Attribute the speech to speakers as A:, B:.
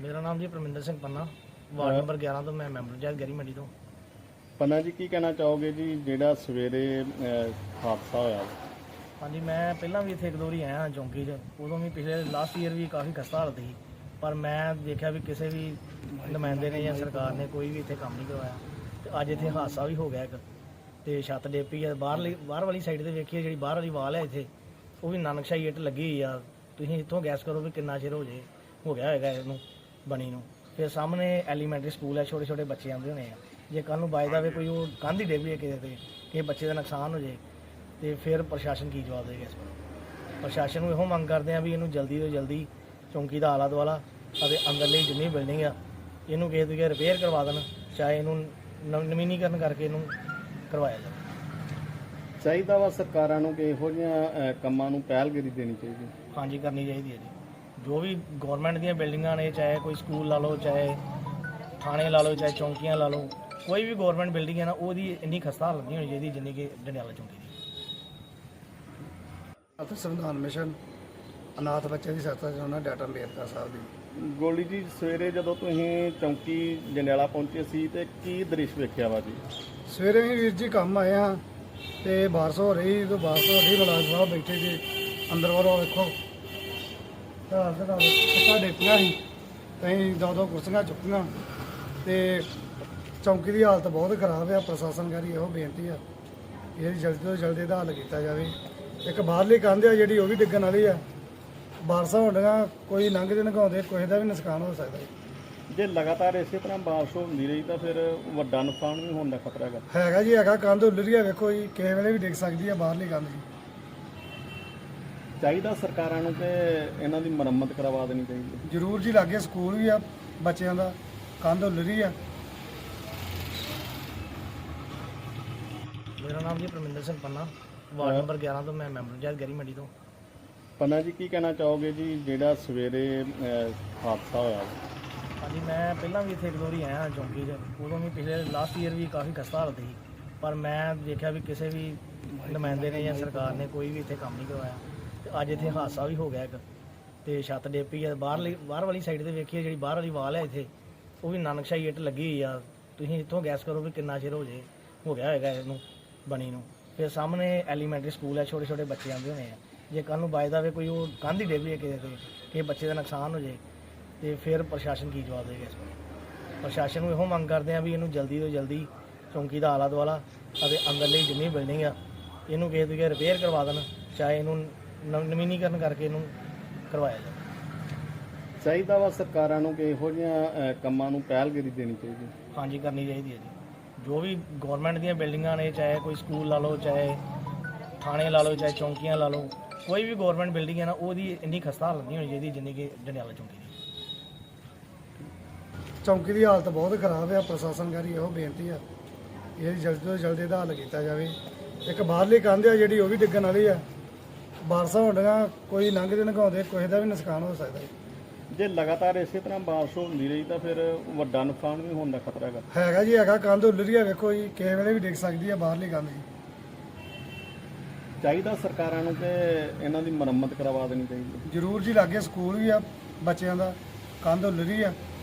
A: ਮੇਰਾ ਨਾਮ ਜੀ ਪਰਮਿੰਦਰ ਸਿੰਘ ਪੰਨਾ, ਵਾਰਡ ਨੰਬਰ 11 ਤੋਂ ਮੈਂ ਮੈਂਬਰ ਪੰਚਾਇਤ ਗੈਰੀ ਮੰਡੀ ਤੋਂ।
B: ਪੰਨਾ ਜੀ, ਕੀ ਕਹਿਣਾ ਚਾਹੋਗੇ ਜੀ ਜਿਹੜਾ ਸਵੇਰੇ ਹਾਦਸਾ ਹੋਇਆ?
A: ਹਾਂਜੀ, ਮੈਂ ਪਹਿਲਾਂ ਵੀ ਇੱਥੇ ਇੱਕ ਦੋ ਵਾਰੀ ਆਇਆ ਚੌਂਕੀ 'ਚ, ਉਦੋਂ ਵੀ ਪਿਛਲੇ ਲਾਸਟ ਈਅਰ ਵੀ ਕਾਫੀ ਖਸਤਾ ਹਾਲਤ ਸੀ, ਪਰ ਮੈਂ ਦੇਖਿਆ ਵੀ ਕਿਸੇ ਵੀ ਨੁਮਾਇੰਦੇ ਨੇ ਜਾਂ ਸਰਕਾਰ ਨੇ ਕੋਈ ਵੀ ਇੱਥੇ ਕੰਮ ਨਹੀਂ ਕਰਵਾਇਆ। ਤੇ ਅੱਜ ਇੱਥੇ ਹਾਦਸਾ ਵੀ ਹੋ ਗਿਆ ਇੱਕ, ਤੇ ਛੱਤ ਡਿੱਗ ਪਈ ਆ। ਬਾਹਰ ਵਾਲੀ ਸਾਈਡ ਤੇ ਵੇਖੀਏ, ਜਿਹੜੀ ਬਾਹਰ ਵਾਲੀ ਵਾਲ ਹੈ ਇੱਥੇ, ਉਹ ਵੀ ਨਾਨਕਸ਼ਾਹੀ ਇੱਟ ਲੱਗੀ ਹੋਈ ਆ। ਤੁਸੀਂ ਇੱਥੋਂ ਗੈਸ ਕਰੋ ਵੀ ਕਿੰਨਾ ਚਿਰ ਹੋ ਗਿਆ ਹੋਏਗਾ ਇਹਨੂੰ ਬਣੀ ਨੂੰ। ਫਿਰ ਸਾਹਮਣੇ ਐਲੀਮੈਂਟਰੀ ਸਕੂਲ ਹੈ, ਛੋਟੇ ਛੋਟੇ ਬੱਚੇ ਆਉਂਦੇ ਹੋਣੇ ਆ। ਜੇ ਕੱਲ੍ਹ ਨੂੰ ਬਾਜ ਜਾਵੇ ਕੋਈ ਉਹ ਕੰਧ ਹੀ ਡਿੱਗ ਪਈ ਕਿਤੇ ਤੇ ਕਿਸੇ ਬੱਚੇ ਦਾ ਨੁਕਸਾਨ ਹੋ ਜਾਏ, ਤੇ ਫਿਰ ਪ੍ਰਸ਼ਾਸਨ ਕੀ ਜਵਾਬ ਦੇਗਾ ਇਸ ਬਾਰੇ? ਪ੍ਰਸ਼ਾਸਨ ਨੂੰ ਇਹੋ ਮੰਗ ਕਰਦੇ ਆ ਵੀ ਇਹਨੂੰ ਜਲਦੀ ਤੋਂ ਜਲਦੀ ਚੌਂਕੀ ਦਾ ਆਲਾ ਦੁਆਲਾ ਅਤੇ ਅੰਦਰਲੀ ਜਿੰਨੀ ਬਿਲਡਿੰਗ ਆ ਇਹਨੂੰ ਕਿਸੇ ਤਰੀਕੇ ਰਿਪੇਅਰ ਕਰਵਾ ਦੇਣ, ਚਾਹੇ ਇਹਨੂੰ ਨਵੀਨੀਕਰਨ ਕਰਕੇ ਇਹਨੂੰ ਕਰਵਾਇਆ ਜਾਵੇ।
B: ਚਾਹੀਦਾ ਵਾ ਸਰਕਾਰਾਂ ਨੂੰ ਕਿ ਇਹੋ ਜਿਹੀਆਂ ਕੰਮਾਂ ਨੂੰ ਪਹਿਲਗਿਰੀ ਦੇਣੀ ਚਾਹੀਦੀ।
A: ਹਾਂਜੀ, ਕਰਨੀ ਚਾਹੀਦੀ ਹੈ ਜੀ। ਜੋ ਵੀ ਗੌਰਮੈਂਟ ਦੀਆਂ ਬਿਲਡਿੰਗਾਂ ਨੇ, ਚਾਹੇ ਕੋਈ ਸਕੂਲ ਲਾ ਲਓ, ਚਾਹੇ ਥਾਣੇ ਲਾ ਲਓ, ਚਾਹੇ ਚੌਂਕੀਆਂ ਲਾ ਲਓ, ਕੋਈ ਵੀ ਗੌਰਮੈਂਟ ਬਿਲਡਿੰਗ ਹੈ ਨਾ, ਉਹਦੀ ਇੰਨੀ ਖਸਤਾ ਹਾਲਤ ਨਹੀਂ ਹੋਣੀ ਚਾਹੀਦੀ ਜਿੰਨੀ ਕਿ ਜੰਡਿਆਲਾ ਚੌਂਕੀ ਦੀ।
C: ਅਤੇ ਸੰਵਿਧਾਨ ਮਿਸ਼ਨ ਅਨਾਥ ਬੱਚੇ ਦੀ ਸਹਾਇਤਾ ਚਾਹੁੰਦਾ ਡਾਕਟਰ ਅੰਬੇਦਕਰ ਸਾਹਿਬ ਦੀ।
B: ਗੋਲੀ ਜੀ, ਸਵੇਰੇ ਜਦੋਂ ਤੁਸੀਂ ਚੌਂਕੀ ਜੰਡਿਆਲਾ ਪਹੁੰਚੇ ਸੀ ਤੇ ਕੀ ਦ੍ਰਿਸ਼ ਵੇਖਿਆ ਵਾ ਜੀ?
C: ਸਵੇਰੇ ਵੀ ਵੀਰ ਜੀ ਕੰਮ ਆਏ ਹਾਂ ਤੇ ਬਾਰਿਸ਼ ਹੋ ਰਹੀ ਤੇ ਬਾਰਿਸ਼ ਹੋ ਰਹੀ, ਮੁਲਾਜ਼ਮ ਸਾਹਿਬ ਬੈਠੇ ਜੀ ਅੰਦਰ ਵੱਲੋਂ ਵੇਖੋ ਕਿੱਦਾਂ ਡੇਪੀਆਂ ਸੀ, ਅਸੀਂ ਦੋ ਕੁਰਸੀਆਂ ਚੁੱਕੀਆਂ ਤੇ ਚੌਂਕੀ ਦੀ ਹਾਲਤ ਬਹੁਤ ਖਰਾਬ ਆ। ਪ੍ਰਸ਼ਾਸਨ ਕਰੀ ਇਹੋ ਬੇਨਤੀ ਆ ਇਹ ਜਲਦੀ ਤੋਂ ਜਲਦੀ ਇਹਦਾ ਹੱਲ ਕੀਤਾ ਜਾਵੇ। ਇੱਕ ਬਾਹਰਲੀ ਕੰਧ ਆ ਜਿਹੜੀ, ਉਹ ਵੀ ਡਿੱਗਣ ਵਾਲੀ ਆ। ਬਾਰਿਸ਼ਾਂ ਹੋਣੀਆਂ, ਕੋਈ ਲੰਘਦੇ ਨਗਾਉਂਦੇ ਕਿਸੇ ਦਾ ਵੀ ਨੁਕਸਾਨ ਹੋ ਸਕਦਾ ਹੈ।
B: ਜੇ ਲਗਾਤਾਰ ਇਸੇ ਤਰ੍ਹਾਂ ਬਾਰਿਸ਼ ਹੁੰਦੀ ਰਹੀ ਤਾਂ ਫਿਰ ਵੱਡਾ ਨੁਕਸਾਨ ਵੀ ਹੋਣ ਦਾ ਖਤਰਾ
C: ਹੈਗਾ ਜੀ, ਹੈਗਾ। ਕੰਧ ਉੱਲਰੀ ਆ, ਵੇਖੋ ਜੀ, ਕਿਸੇ ਵੇਲੇ ਵੀ ਡਿੱਗ ਸਕਦੀ ਆ ਬਾਹਰਲੀ ਕੰਧ ਜੀ।
B: ਚਾਹੀਦਾ ਸਰਕਾਰਾਂ ਨੂੰ ਕਿ ਇਹਨਾਂ ਦੀ ਮੁਰੰਮਤ ਕਰਵਾ ਦੇਣੀ ਚਾਹੀਦੀ।
C: ਜ਼ਰੂਰ ਜੀ, ਲਾਗੇ ਸਕੂਲ ਵੀ ਆ ਬੱਚਿਆਂ ਦਾ, ਕੰਧ ਉੱਲਰੀ ਆ।
A: ਮੇਰਾ ਨਾਮ ਜੀ ਪਰਮਿੰਦਰ ਸਿੰਘ ਪੰਨਾ, ਵਾਰਡ ਨੰਬਰ 11 ਤੋਂ ਮੈਂ ਮੈਂਬਰ ਪੰਚਾਇਤ ਗੈਰੀ ਮੰਡੀ ਤੋਂ।
B: ਪੰਨਾ ਜੀ, ਕੀ ਕਹਿਣਾ ਚਾਹੋਗੇ ਜੀ ਜਿਹੜਾ ਸਵੇਰੇ ਹਾਦਸਾ ਹੋਇਆ?
A: ਹਾਂਜੀ, ਮੈਂ ਪਹਿਲਾਂ ਵੀ ਇੱਥੇ ਇੱਕ ਦੋ ਵਾਰੀ ਆਇਆ ਚੌਂਕੀ 'ਚ, ਉਦੋਂ ਵੀ ਪਿਛਲੇ ਲਾਸਟ ਈਅਰ ਵੀ ਕਾਫੀ ਖਸਤਾ ਹਾਲਤ ਸੀ, ਪਰ ਮੈਂ ਦੇਖਿਆ ਵੀ ਕਿਸੇ ਵੀ ਨੁਮਾਇੰਦੇ ਨੇ ਜਾਂ ਸਰਕਾਰ ਨੇ ਕੋਈ ਵੀ ਇੱਥੇ ਕੰਮ ਨਹੀਂ ਕਰਵਾਇਆ। ਤੇ ਅੱਜ ਇੱਥੇ ਹਾਦਸਾ ਵੀ ਹੋ ਗਿਆ ਇੱਕ, ਤੇ ਛੱਤ ਡਿੱਗ ਪਈ ਆ। ਬਾਹਰ ਵਾਲੀ ਸਾਈਡ ਤੇ ਵੇਖੀਏ, ਜਿਹੜੀ ਬਾਹਰ ਵਾਲੀ ਵਾਲ ਹੈ ਇੱਥੇ, ਉਹ ਵੀ ਨਾਨਕਸ਼ਾਹੀ ਇੱਟ ਲੱਗੀ ਹੋਈ ਆ। ਤੁਸੀਂ ਇੱਥੋਂ ਗੈਸ ਕਰੋ ਵੀ ਕਿੰਨਾ ਚਿਰ ਹੋ ਗਿਆ ਹੋਏਗਾ ਇਹਨੂੰ ਬਣੀ ਨੂੰ। ਫਿਰ ਸਾਹਮਣੇ ਐਲੀਮੈਂਟਰੀ ਸਕੂਲ ਹੈ, ਛੋਟੇ ਛੋਟੇ ਬੱਚੇ ਆਉਂਦੇ ਹੋਣੇ ਆ। ਜੇ ਕੱਲ੍ਹ ਨੂੰ ਬਾਜ ਜਾਵੇ ਕੋਈ ਉਹ ਕੰਧ ਹੀ ਡਿੱਗ ਪਈ ਕਿਤੇ ਤੇ ਕਿਸੇ ਬੱਚੇ ਦਾ ਨੁਕਸਾਨ ਹੋ ਜਾਏ, ਤੇ ਫਿਰ ਪ੍ਰਸ਼ਾਸਨ ਕੀ ਜਵਾਬ ਦੇਗਾ ਇਸ ਬਾਰੇ? ਪ੍ਰਸ਼ਾਸਨ ਨੂੰ ਇਹੋ ਮੰਗ ਕਰਦੇ ਆ ਵੀ ਇਹਨੂੰ ਜਲਦੀ ਤੋਂ ਜਲਦੀ ਚੌਂਕੀ ਦਾ ਆਲਾ ਦੁਆਲਾ ਅਤੇ ਅੰਦਰਲੀ ਜਿੰਨੀ ਬਿਲਡਿੰਗ ਆ ਇਹਨੂੰ ਕਿਸੇ ਤਰੀਕੇ ਰਿਪੇਅਰ ਕਰਵਾ ਦੇਣ, ਚਾਹੇ ਇਹਨੂੰ ਨਵੀਨੀਕਰਨ ਕਰਕੇ ਇਹਨੂੰ ਕਰਵਾਇਆ ਜਾਵੇ।
B: ਚਾਹੀਦਾ ਵਾ ਸਰਕਾਰਾਂ ਨੂੰ ਕਿ ਇਹੋ ਜਿਹੀਆਂ ਕੰਮਾਂ ਨੂੰ ਪਹਿਲਗਿਰੀ ਦੇਣੀ ਚਾਹੀਦੀ।
A: ਹਾਂਜੀ, ਕਰਨੀ ਚਾਹੀਦੀ ਹੈ ਜੀ। ਜੋ ਵੀ ਗੌਰਮੈਂਟ ਦੀਆਂ ਬਿਲਡਿੰਗਾਂ ਨੇ, ਚਾਹੇ ਕੋਈ ਸਕੂਲ ਲਾ ਲਓ, ਚਾਹੇ ਥਾਣੇ ਲਾ ਲਓ, ਚਾਹੇ ਚੌਂਕੀਆਂ ਲਾ ਲਓ, ਕੋਈ ਵੀ ਗੌਰਮੈਂਟ ਬਿਲਡਿੰਗ ਹੈ ਨਾ, ਉਹਦੀ ਇੰਨੀ ਖਸਤਾ ਹਾਲਤ ਨਹੀਂ ਹੋਣੀ ਚਾਹੀਦੀ ਜਿੰਨੀ ਕਿ ਜੰਡਿਆਲਾ ਚੌਂਕੀ ਦੀ।
C: ਚੌਂਕੀ ਦੀ ਹਾਲਤ ਬਹੁਤ ਖਰਾਬ ਆ। ਪ੍ਰਸ਼ਾਸਨ ਕਰੀ ਇਹੋ ਬੇਨਤੀ ਆ ਇਹ ਜਲਦੀ ਤੋਂ ਜਲਦੀ ਇਹਦਾ ਹੱਲ ਕੀਤਾ ਜਾਵੇ। ਇੱਕ ਬਾਹਰਲੀ ਕੰਧ ਆ ਜਿਹੜੀ, ਉਹ ਵੀ ਡਿੱਗਣ ਵਾਲੀ ਆ। ਬਾਰਿਸ਼ਾਂ ਹੋਣੀਆਂ, ਕੋਈ ਲੰਘਦੇ ਨਗਾਉਂਦੇ ਕਿਸੇ ਦਾ ਵੀ ਨੁਕਸਾਨ ਹੋ ਸਕਦਾ ਹੈ।
B: ਜੇ ਲਗਾਤਾਰ ਇਸੇ ਤਰ੍ਹਾਂ ਬਾਰਿਸ਼ ਹੁੰਦੀ ਰਹੀ ਤਾਂ ਫਿਰ ਵੱਡਾ ਨੁਕਸਾਨ ਵੀ ਹੋਣ ਦਾ ਖਤਰਾ
C: ਹੈਗਾ ਜੀ, ਹੈਗਾ। ਕੰਧ ਉੱਲਰੀ ਆ, ਵੇਖੋ ਜੀ, ਕਿਸੇ ਵੇਲੇ ਵੀ ਡਿੱਗ ਸਕਦੀ ਆ ਬਾਹਰਲੀ ਕੰਧ ਜੀ।
B: ਚਾਹੀਦਾ ਸਰਕਾਰਾਂ ਨੂੰ ਕਿ ਇਹਨਾਂ ਦੀ ਮੁਰੰਮਤ ਕਰਵਾ ਦੇਣੀ ਚਾਹੀਦੀ।
C: ਜ਼ਰੂਰ ਜੀ, ਲਾਗੇ ਸਕੂਲ ਵੀ ਆ ਬੱਚਿਆਂ ਦਾ, ਕੰਧ ਉੱਲਰੀ ਆ।